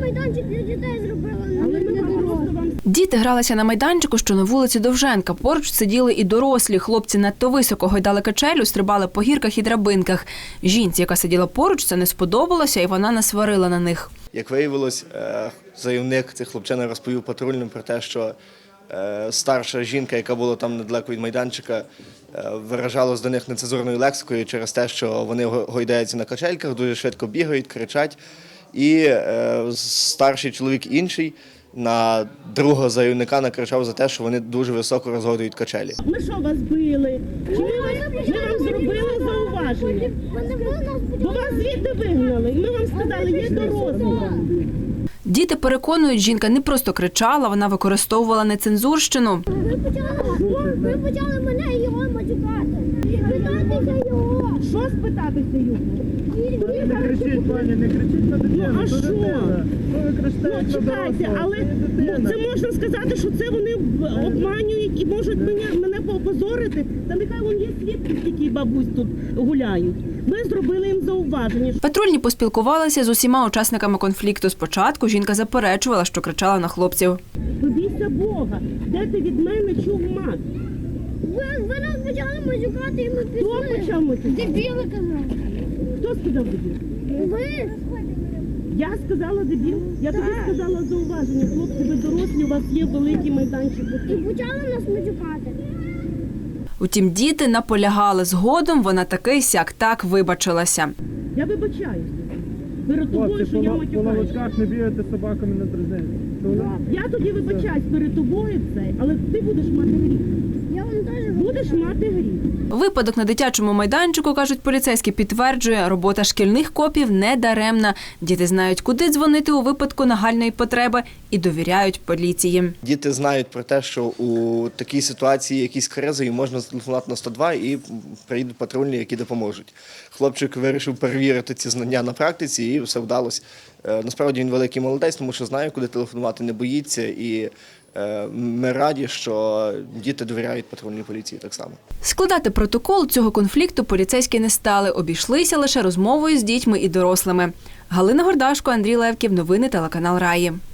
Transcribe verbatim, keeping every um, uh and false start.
майданчик для дітей зробили, але не дорослі. Діти гралися на майданчику, що на вулиці Довженка. Поруч сиділи і дорослі. Хлопці надто високо гойдали качелю, стрибали по гірках і драбинках. Жінці, яка сиділа поруч, це не сподобалося, і вона насварила на них. Як виявилось, заявник цих хлопчина розповів патрульним про те, що старша жінка, яка була там недалеко від майданчика, виражалась до них нецензурною лексикою через те, що вони гойдаються на качельках, дуже швидко бігають, кричать. І старший чоловік інший на другого заявника накричав за те, що вони дуже високо розгойдують качелі. Ми що, вас били? Чи ми, вас, ми вам зробили зауваження? Бо вас звідти вигнали, і ми вам сказали, є дорослі. Діти переконують, жінка не просто кричала, вона використовувала нецензурщину. Ви почали, ви почали мене і його матюкати. Спитатися його. Що спитатися його? Не кричіть, пані, не кричіть на дитину. Ну, а що? Ви кричите, Ну, чекайте, але це можна сказати, що це вони обманюють і можуть мене, мене поопозорити. Та нехай вон є свідки, скільки бабусь тут гуляють. Ми зробили їм зауваження. Патрульні поспілкувалися з усіма учасниками конфлікту. Спочатку жінка заперечувала, що кричала на хлопців. Побійся Бога, де ти від мене чув мат? Ви, ви нас почали матюкати, і ми пішли. Хто почав матюкати? Дебіли казав. Хто сказав дебіл? Ви. Я сказала дебіл? Я тобі сказала зауваження. Хлопці, ви дорослі, у вас є великий майданчик. І почали нас матюкати. Утім, діти наполягали. Згодом вона таки сяк-так вибачилася. Я вибачаюся. Перед тобою, Хлопці, що я по матюкаюся. лавочках не бігайте собаками на дрезині. Я тоді вибачаюсь перед тобою це, але ти будеш мати гріх. Я вам теж Будеш мати гріх. Випадок на дитячому майданчику, кажуть поліцейські, підтверджує, робота шкільних копів не даремна. Діти знають, куди дзвонити у випадку нагальної потреби і довіряють поліції. Діти знають про те, що у такій ситуації якісь кризи, і можна зателефонувати на сто два і приїдуть патрульні, які допоможуть. Хлопчик вирішив перевірити ці знання на практиці і все вдалося. Насправді він великий молодець, тому що знає, куди телефонувати, не боїться. І ми раді, що діти довіряють патрульній поліції так само. Складати протокол цього конфлікту поліцейські не стали. Обійшлися лише розмовою з дітьми і дорослими. Галина Гордашко, Андрій Левків. Новини телеканал Раї.